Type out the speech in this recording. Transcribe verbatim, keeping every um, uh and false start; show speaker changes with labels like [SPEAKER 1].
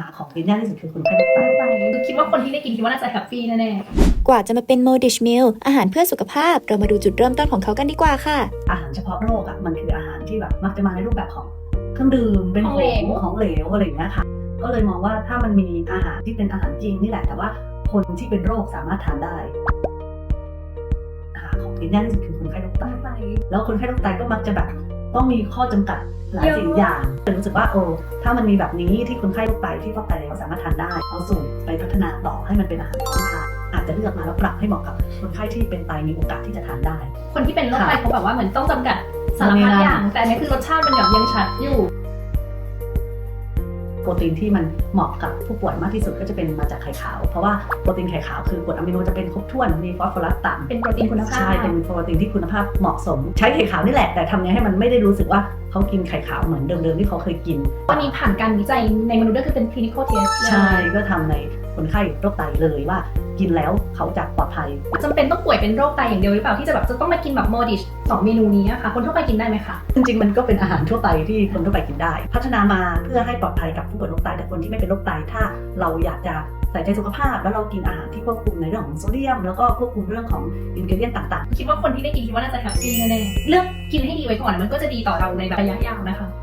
[SPEAKER 1] ของกินยากที่สุดคือคนไข้โรคไต
[SPEAKER 2] คือคิดว่าคนที่ได้กินคิดว่าน่าจะแฮปปี้แน่
[SPEAKER 3] กว่าจะมาเป็นโมดิชมิลอาหารเพื่อสุขภาพเรามาดูจุดเริ่มต้นของเขากันดีกว่าค่ะ
[SPEAKER 1] อาหารเฉพาะโรคอ่ะมันคืออาหารที่แบบมักจะมาในรูปแบบของเครื่องดื่มเป็นของของเหลวอะไรอย่างเงี้ยค่ะก็เลยมองว่าถ้ามันมีอาหารที่เป็นอาหารจริงนี่แหละแต่ว่าคนที่เป็นโรคสามารถทานได้อาหารของกินยากที่สุดคือคนไข้โรคไตแล้วคนไข้โรคไตก็มักจะแบบต้องมีข้อจำกัดหลายสิ่งอย่างแต่รู้สึกว่าโอ้ถ้ามันมีแบบนี้ที่คนไข้โรคไตที่ฟอกไตแล้วสามารถทานได้เอาสูตรไปพัฒนาต่อให้มันเป็นอาหารพร้อมทานอาจจะเลือกมาแล้วปรับให้เหมาะกับคนไข้ที่เป็นไตมีโอกาสที่จะทานได้
[SPEAKER 2] คนที่เป็นโรคไตเขาแบบว่าเหมือนต้องจำกัดสารพัดอย่างแต่อันนี้คือรสชาติมันแบบยังชัดอยู่
[SPEAKER 1] โปรตีนที่มันเหมาะกับผู้ป่วยมากที่สุดก็จะเป็นมาจากไข่ขาวเพราะว่าโปรตีนไข่ขาวคือกรดอะมิโนจะเป็นครบถ้วนมีฟอสฟอรัสต่ำ
[SPEAKER 2] เป็นโปรตีนคุณภาพ
[SPEAKER 1] ใช่เป็นโปรตีนที่คุณภาพเหมาะสมใช้ไข่ขาวนี่แหละแต่ทำไงให้มันไม่ได้รู้สึกว่าเขากินไข่ขาวเหมือนเดิมๆที่เขาเคยกิน
[SPEAKER 2] วันนี้ผ่านการวิจัยในมนุษย์ด้วยคือเป็น clinical test
[SPEAKER 1] ใช่ก็ทำในคนไข้โรคไตเลยว่ากินแล้วเขาจะปลอดภัย
[SPEAKER 2] จำเป็นต้องป่วยเป็นโรคไตอย่างเดียวหรือเปล่าที่จะแบบจะต้องมากินแบบโมดิชสองเมนูนี้ค่ะคนทั่วไปกินได้ไหมคะ
[SPEAKER 1] จริงๆมันก็เป็นอาหารทั่วไปที่คนทั่วไปกินได้พัฒนามาเพื่อให้ปลอดภัยกับผู้ป่วยโรคไตแต่คนที่ไม่เป็นโรคไตถ้าเราอยากจะใส่ใจสุขภาพแล้วเรากินอาหารที่ควบคุมในเรื่องของโซเดียมแล้วก็ควบคุมเรื่องของอินกรีเดียนต่าง
[SPEAKER 2] ๆคิดว่าคนที่ได้กินคิดว่าน่าจะแฮปปี้แน่ๆเลือกกินให้ดีไว้ก่อนมันก็จะดีต่อเราในระยะยาวนะคะ